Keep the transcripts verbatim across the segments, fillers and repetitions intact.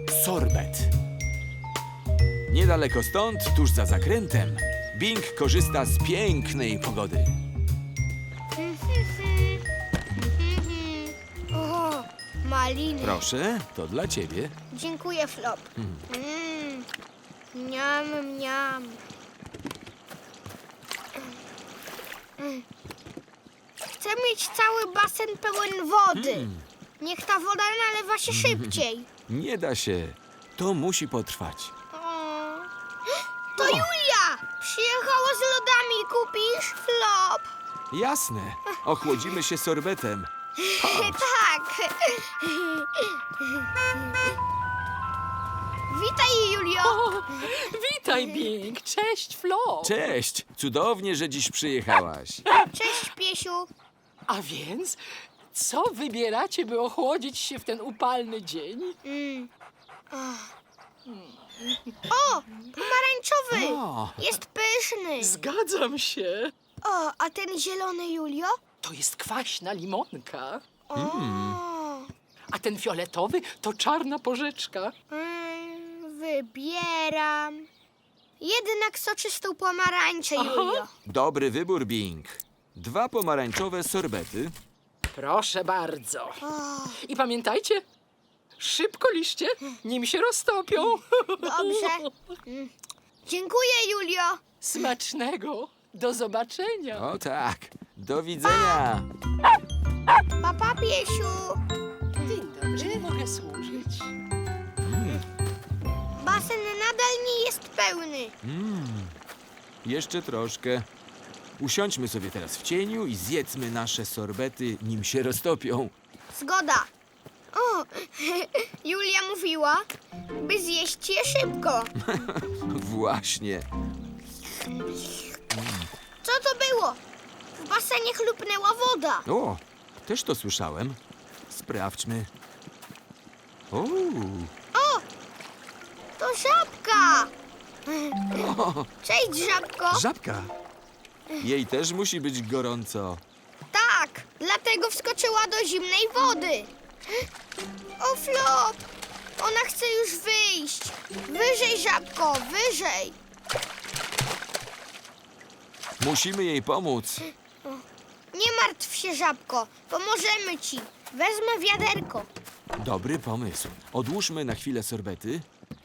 sorbet. Niedaleko stąd, tuż za zakrętem, Bing korzysta z pięknej pogody. O, maliny. Proszę, to dla ciebie. Dziękuję, Flop. Mm. Miam, miam. Mm. Chcę mieć cały basen pełen wody. Niech ta woda nalewa się szybciej. Nie da się. To musi potrwać. O. To Julia! Przyjechała z lodami. Kupisz, Flop? Jasne. Ochłodzimy się sorbetem. Tak. Witaj, Julio. O, witaj, Bing. Cześć, Flo. Cześć. Cudownie, że dziś przyjechałaś. Cześć, Piesiu. A więc, co wybieracie, by ochłodzić się w ten upalny dzień? Mm. O, pomarańczowy. O. Jest pyszny. Zgadzam się. O, a ten zielony, Julio? To jest kwaśna limonka. O. A ten fioletowy to czarna porzeczka. Mm, wybieram. Jednak soczystą pomarańczę, Julio. Dobry wybór, Bing. Dwa pomarańczowe sorbety. Proszę bardzo. O, I pamiętajcie, szybko liście, nim się roztopią. dobrze. Mm. Dziękuję, Julio. Smacznego. Do zobaczenia. O tak. Do widzenia. Papa, Piesiu. Dzień dobry. Czym mogę służyć? Basen nadal nie jest pełny. Jeszcze troszkę. Usiądźmy sobie teraz w cieniu i zjedzmy nasze sorbety, nim się roztopią. Zgoda. O, Julia mówiła, by zjeść je szybko. Właśnie. Co to było? W basenie chlupnęła woda. O, też to słyszałem. Sprawdźmy. O, To żabka. o, Cześć, żabko. żabka. Jej też musi być gorąco. Tak, dlatego wskoczyła do zimnej wody. O, Flop. Ona chce już wyjść. Wyżej, żabko, wyżej. Musimy jej pomóc. Nie martw się, żabko. Pomożemy ci. Wezmę wiaderko. Dobry pomysł. Odłóżmy na chwilę sorbety.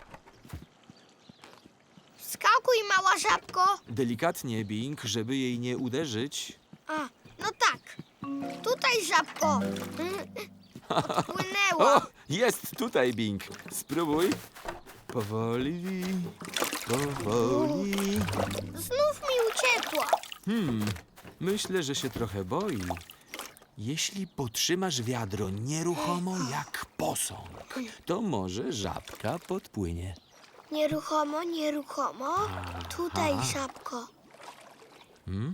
Skakuj, mała żabko. Delikatnie, Bing, żeby jej nie uderzyć. A, no tak. Tutaj, żabko. Odpłynęła. O, jest tutaj, Bing. Spróbuj. Powoli, powoli. Znów mi uciekła. Hmm, myślę, że się trochę boi. Jeśli potrzymasz wiadro nieruchomo jak posąg, to może żabka podpłynie. Nieruchomo, nieruchomo. Tutaj, żabko. Hmm?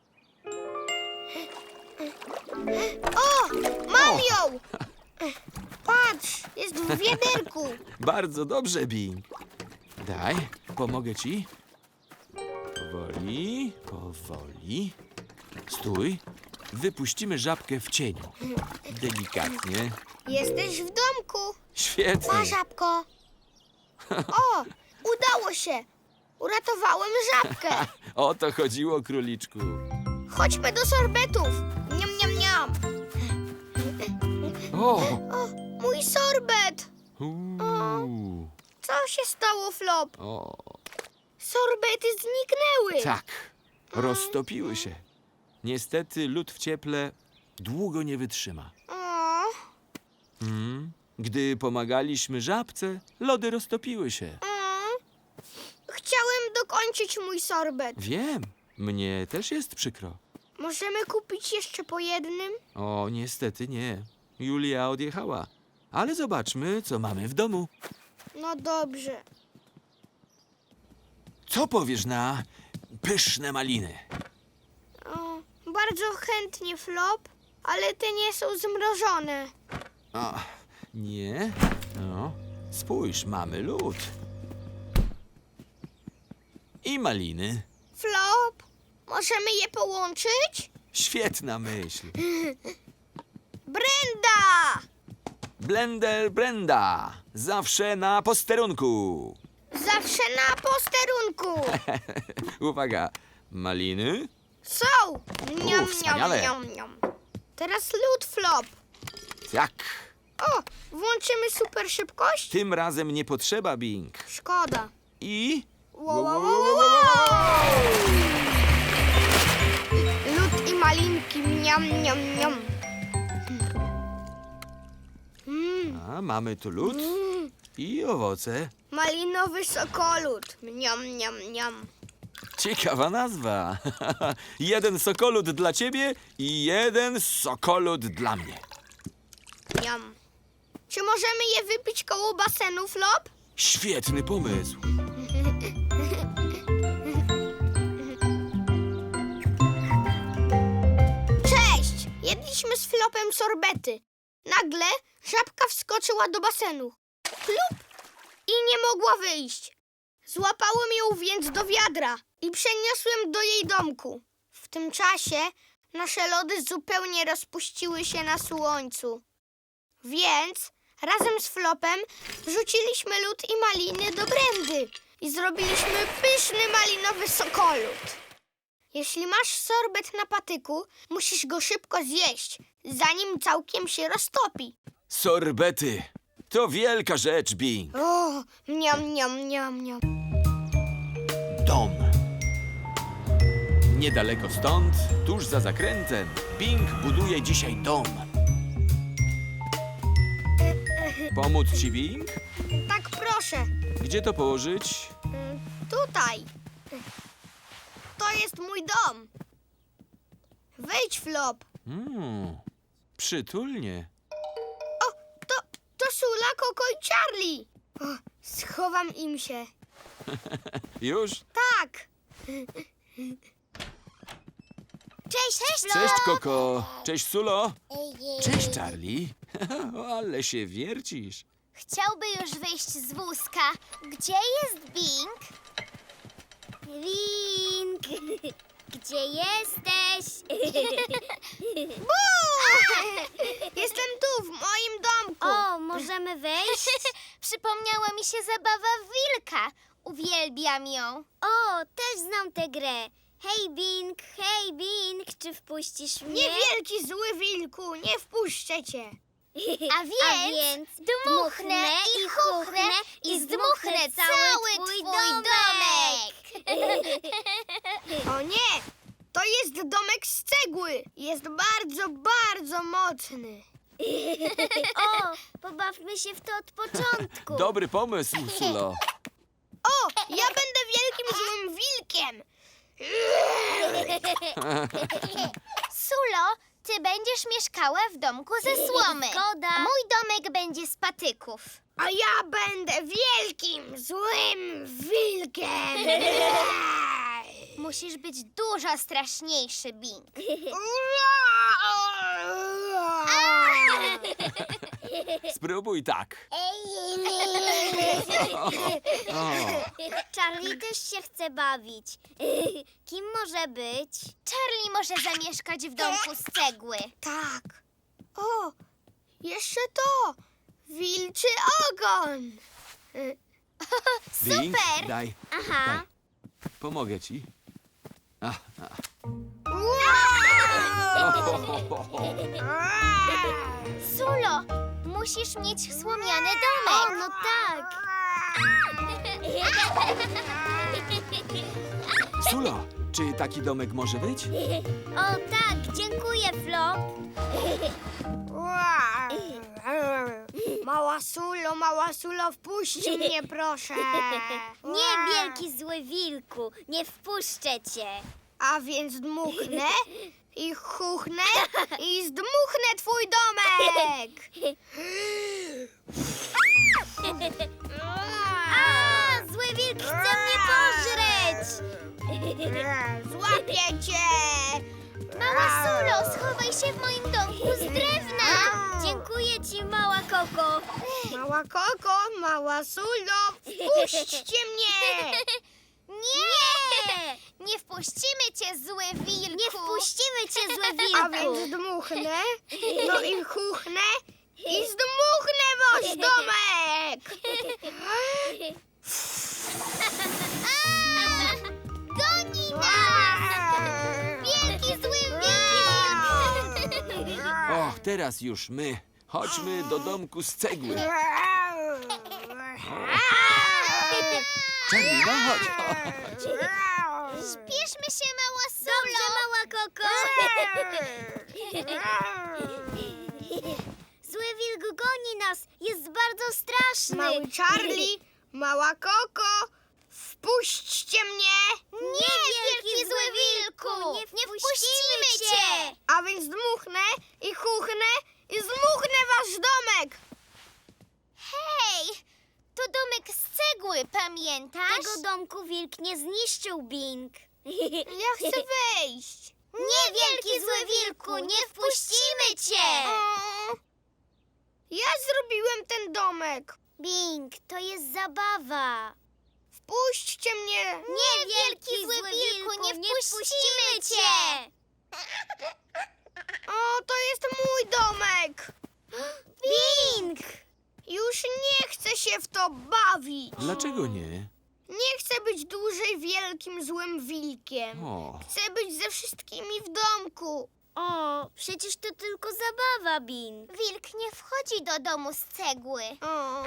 O, mam ją! Patrz, jest w wiaderku. Bardzo dobrze, Bing. Daj, pomogę ci. Powoli, powoli. Stój. Wypuścimy żabkę w cieniu. Delikatnie. Jesteś w domku. Świetnie. Pa, żabko. O, udało się. Uratowałem żabkę. O to chodziło, króliczku. Chodźmy do sorbetów. Niam, niam, niam. O! O, mój sorbet. Uuu. Co się stało, Flop? O, Sorbety zniknęły. tak. Roztopiły się. Niestety lód w cieple długo nie wytrzyma. O, Mm. Gdy pomagaliśmy żabce, lody roztopiły się. o. Chciałem dokończyć mój sorbet. Wiem, mnie też jest przykro. Możemy kupić jeszcze po jednym? O, niestety nie. Julia odjechała. Ale zobaczmy, co mamy w domu. No dobrze. Co powiesz na pyszne maliny? O, bardzo chętnie, Flop, ale te nie są zmrożone. O, nie? No, spójrz, mamy lód. I maliny. Flop, możemy je połączyć? Świetna myśl. Brenda! Blender Brenda. Zawsze na posterunku. Zawsze na posterunku. Uwaga. Maliny? Są. Niam, wspaniale. niam, niam, niam. Teraz lód, Flop. Tak. O, włączymy super szybkość? Tym razem nie potrzeba, Bing. Szkoda. I... Wow, wow, wow, wow, wow. Lód i malinki, niam, niam, niam. Mm, A, mamy tu lód mm. i owoce. Malinowy sokolód. Niam, niam, niam. Ciekawa nazwa. Jeden sokolud dla ciebie i jeden sokolud dla mnie. Niam. Czy możemy je wypić koło basenu, Flop? Świetny pomysł. Cześć! Jedliśmy z Flopem sorbety. Nagle żabka wskoczyła do basenu. Plup! I nie mogła wyjść. Złapałem ją więc do wiadra i przeniosłem do jej domku. W tym czasie nasze lody zupełnie rozpuściły się na słońcu. Więc razem z Flopem wrzuciliśmy lód i maliny do Brendy i zrobiliśmy pyszny malinowy sokolód. Jeśli masz sorbet na patyku, musisz go szybko zjeść, zanim całkiem się roztopi. Sorbety. To wielka rzecz, Bing. O, niam, niam, niam, niam. Dom. Niedaleko stąd, tuż za zakrętem, Bing buduje dzisiaj dom. Pomóc ci, Bing? Tak, proszę. Gdzie to położyć? Y, Tutaj. To jest mój dom. Wejdź, Flop. Mm, przytulnie. O, to, to Sula, Koko i Charlie. O, schowam im się. Już? Tak. Cześć, cześć, Cześć, Koko. Cześć, Sulo. Cześć, Charlie. Ale się wiercisz. Chciałby już wyjść z wózka. Gdzie jest Bing? Bing! Gdzie jesteś? Jestem tu, w moim domku. O, możemy wejść? Przypomniała mi się zabawa wilka. Uwielbiam ją. O, też znam tę grę. Hej, Bing, hej, Bing, czy wpuścisz mnie? Niewielki zły wilku, nie wpuszczę cię. A więc, A więc dmuchnę i chuchnę i zdmuchnę cały twój domek. O nie, to jest domek z cegły. Jest bardzo, bardzo mocny. O, pobawmy się w to od początku. Dobry pomysł, Sulo. O, ja będę wielkim złym wilkiem. Sulo, ty będziesz mieszkała w domku ze słomy. Zgoda. Mój domek będzie z patyków. A ja będę wielkim złym wilkiem. Musisz być dużo straszniejszy, Bing. Spróbuj tak. O, Charlie też się chce bawić. Kim może być? Charlie może zamieszkać w domku z cegły. Tak. O, jeszcze to. Wilczy ogon. Bing, Super! daj. Aha. Daj. Pomogę ci. A, a. Sulo, musisz mieć słomiany domek. O, no tak. Sulo, czy taki domek może być? O tak, dziękuję, Flop. Mała Sulo, mała Sulo, wpuść mnie, proszę. Nie, wielki zły wilku, nie wpuszczę cię. A więc dmuchnę i chuchnę i zdmuchnę twój domek. A, zły wilk chce mnie pożreć. Złapię cię. Mała Sulo, schowaj się w moim domku z drewna. Dziękuję ci, mała Koko. Mała Koko, mała Sulo, wpuśćcie mnie. Nie! Nie wpuścimy cię, zły wilku! Nie wpuścimy cię, zły A więc dmuchnę, no i chuchnę I zdmuchnę wasz domek! Goni nas! Wielki zły wilk! O, teraz już my. Chodźmy do domku z cegły. Charlie, no chodź. Śpieszmy się, mała Sulo! Dobrze, mała Koko! Zły wilk goni nas! Jest bardzo straszny! Mały Charlie, mała Koko, wpuśćcie mnie! Nie, wielki zły wilku! Nie wpuścimy cię! A więc dmuchnę i chuchnę i zmuchnę wasz domek! Hej! To domek z cegły, pamiętasz? Tego domku wilk nie zniszczył, Bing. Ja chcę wejść! Nie, wielki zły wilku, nie wpuścimy cię! O, ja zrobiłem ten domek! Bing, to jest zabawa. Wpuśćcie mnie! Nie, wielki zły wilku, nie wpuścimy cię! O, to jest mój domek! Bing! Już nie chcę się w to bawić! Dlaczego nie? Nie chcę być dłużej wielkim złym wilkiem. O, Chcę być ze wszystkimi w domku. O, przecież to tylko zabawa, Bing. Wilk nie wchodzi do domu z cegły. O.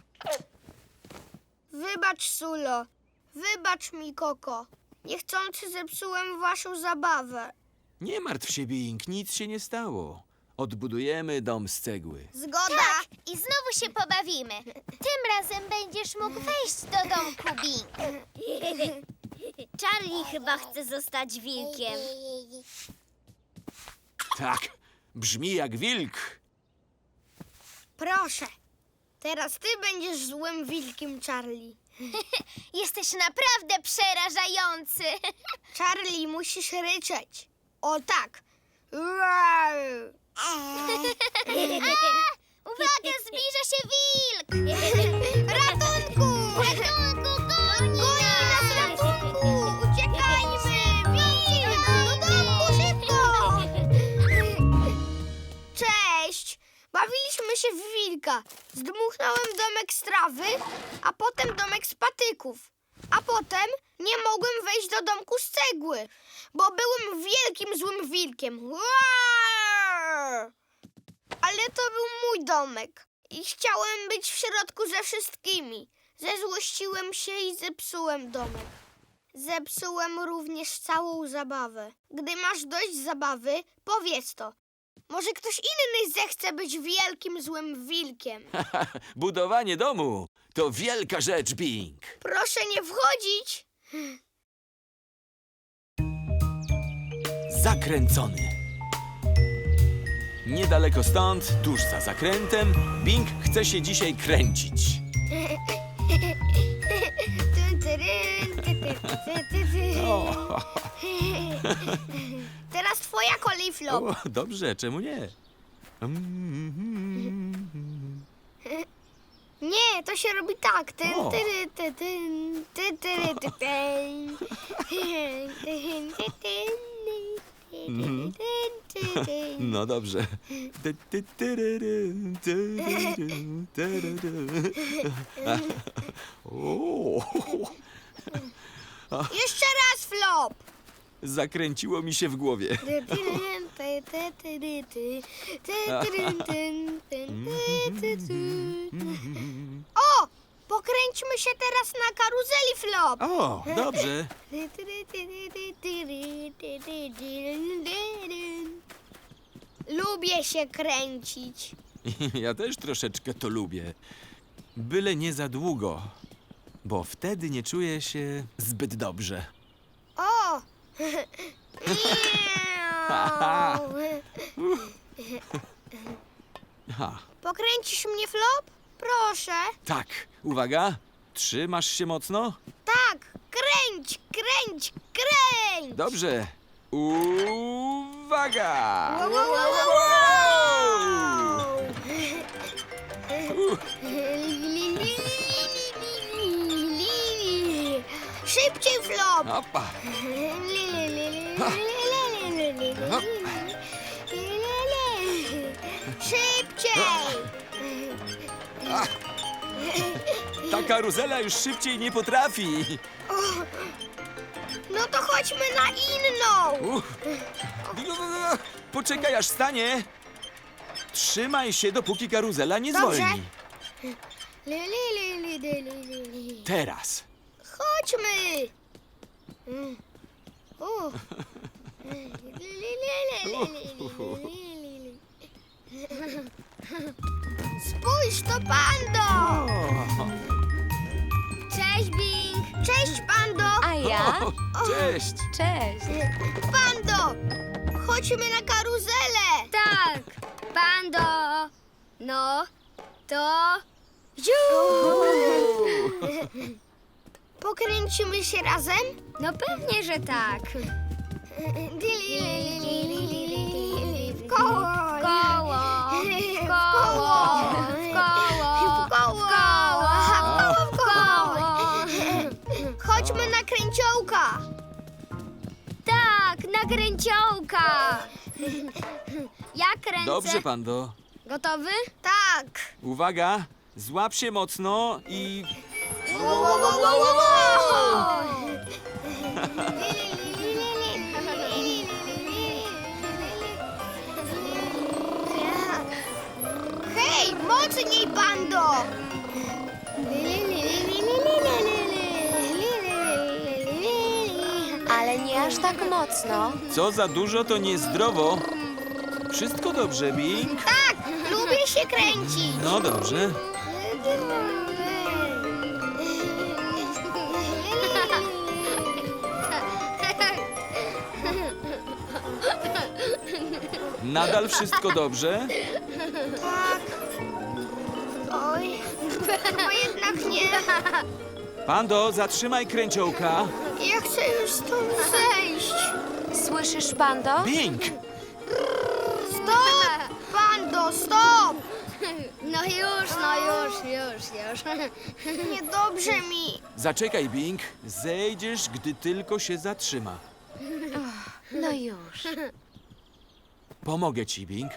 Wybacz, Sulo. Wybacz mi, Koko. Niechcący zepsułem waszą zabawę. nie martw się, Bing, nic się nie stało. Odbudujemy dom z cegły. Zgoda. Tak, i znowu się pobawimy. Tym razem będziesz mógł wejść do domku, Bing. Charlie chyba chce zostać wilkiem. Tak, brzmi jak wilk. Proszę. Teraz ty będziesz złym wilkiem, Charlie. Jesteś naprawdę przerażający. Charlie, musisz ryczeć. O tak. Roar. Uwaga, zbliża się wilk! Ratunku! Ratunku, goni Goni nas, ratunku! Uciekajmy! Wilk! Do domku, szybko! Cześć! Bawiliśmy się w wilka. Zdmuchnąłem domek z trawy, a potem domek z patyków. A potem nie mogłem wejść do domku z cegły, bo byłem wielkim złym wilkiem. Roar! Ale to był mój domek i chciałem być w środku ze wszystkimi. Zezłościłem się i zepsułem domek. Zepsułem również całą zabawę. Gdy masz dość zabawy, powiedz to. Może ktoś inny zechce być wielkim złym wilkiem. Budowanie domu to wielka rzecz, Bing. Proszę nie wchodzić. Zakręcony. Niedaleko stąd, tuż za zakrętem, Bing chce się dzisiaj kręcić. O, Teraz twoja kolej, Flop. o, dobrze, czemu nie? Nie, to się robi tak. Tyn, O. tyry, ty, tyn, ty, tyry, ty, tyn. Tyn, ty, tyn, Mhm. tyn, ty, tyn. No dobrze. O, Jeszcze raz, Flop. zakręciło mi się w głowie. O! Pokręćmy się teraz na karuzeli, Flop. O, dobrze. Lubię się kręcić. Ja też troszeczkę to lubię. Byle nie za długo, bo wtedy nie czuję się zbyt dobrze. O! Ha, Pokręcisz mnie, Flop? Proszę. tak, uwaga. Trzymasz się mocno? Tak, kręć, kręć, kręć! Dobrze. Uwaga! Wow, wow, wow, wow, wow! Szybciej, Flop! Opa. Szybciej! Ta karuzela już szybciej nie potrafi. No to chodźmy na inną. Uff. Poczekaj, aż stanie. Trzymaj się, dopóki karuzela nie Dobrze. zwolni. Li, li, li, li, li, li, li. Teraz. Chodźmy. Mm. U. Li, li, li, li, li, li, li, li, li. Spójrz, to Pando! Cześć, Bing! Cześć, Pando! A ja? O, cześć. Cześć. Pando! Chodźmy na karuzelę! Tak, Pando! No, to... Pokręcimy się razem? No pewnie, że tak. Li, li, li, li, li, li, li, li. W koło! W koło, w W koło, w koło, W koło! w koło. Chodźmy na kręciołka! Tak, na kręciołka. Ja kręcę. Dobrze, Pando. Gotowy? Tak! Uwaga, złap się mocno i... Wo, wo, wo, wo, wo, wo! Hej, mocniej, Pando! Ale nie aż tak mocno. Co za dużo, to niezdrowo. Wszystko dobrze, Bing? Tak, lubię się kręcić. No dobrze. Nadal wszystko dobrze? Tak. Oj, chyba jednak nie. Pando, zatrzymaj kręciołka. Ja chcę już stąd zejść. Słyszysz, Pando? Bing! Stop! Pando, stop! No już, no już, już, już. Niedobrze mi. Zaczekaj, Bing. Zejdziesz, gdy tylko się zatrzyma. No już. Pomogę ci, Bing.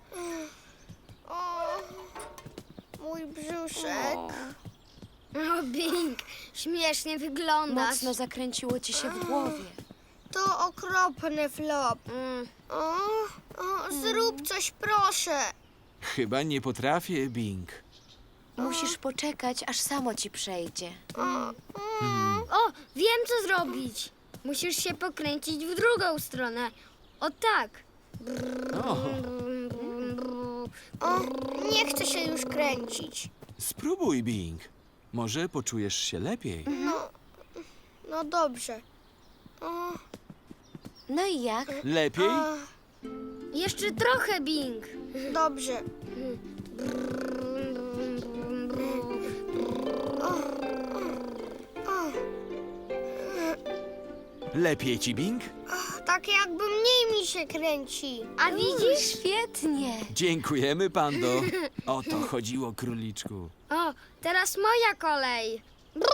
O, mój brzuszek. O, Bing, śmiesznie wyglądasz. Mocno zakręciło ci się w głowie. To okropny flop. Mm. O, o, zrób coś, proszę. Chyba nie potrafię, Bing. Musisz poczekać, aż samo ci przejdzie. O, O, wiem co zrobić. Musisz się pokręcić w drugą stronę. O tak. O, o, nie chcę się już kręcić. spróbuj, Bing. Może poczujesz się lepiej. No, no dobrze. O, No i jak? Lepiej? a, Jeszcze trochę, Bing. dobrze. O, Lepiej ci, Bing? tak jakby mniej mi się kręci. A widzisz? Świetnie. Dziękujemy, Pando. O to chodziło, króliczku. O, teraz moja kolej.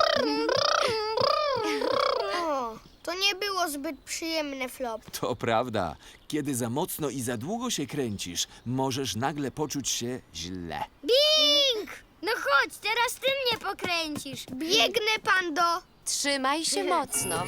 O, to nie było zbyt przyjemne, flop. To prawda. Kiedy za mocno i za długo się kręcisz, możesz nagle poczuć się źle. Bing! No chodź, teraz ty mnie pokręcisz. Biegnę, Pando. Trzymaj się mocno.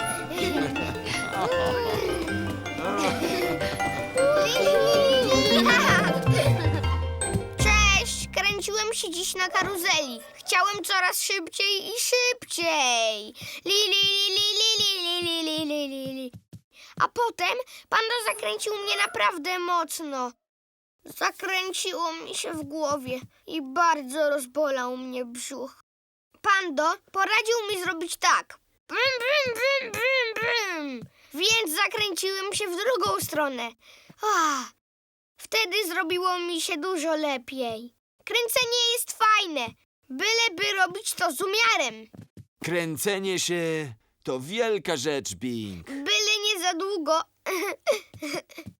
Cześć! Kręciłem się dziś na karuzeli. Chciałem coraz szybciej i szybciej. Li, li, li, li, li, li, li, li, li, li. A potem Pando zakręcił mnie naprawdę mocno. Zakręciło mi się w głowie i bardzo rozbolał mnie brzuch. Pando poradził mi zrobić tak. Brum, brum, brum, brum, brum. Więc zakręciłem się w drugą stronę. Ah, wtedy zrobiło mi się dużo lepiej. Kręcenie jest fajne, byleby robić to z umiarem. Kręcenie się to wielka rzecz, Bing. Byle nie za długo.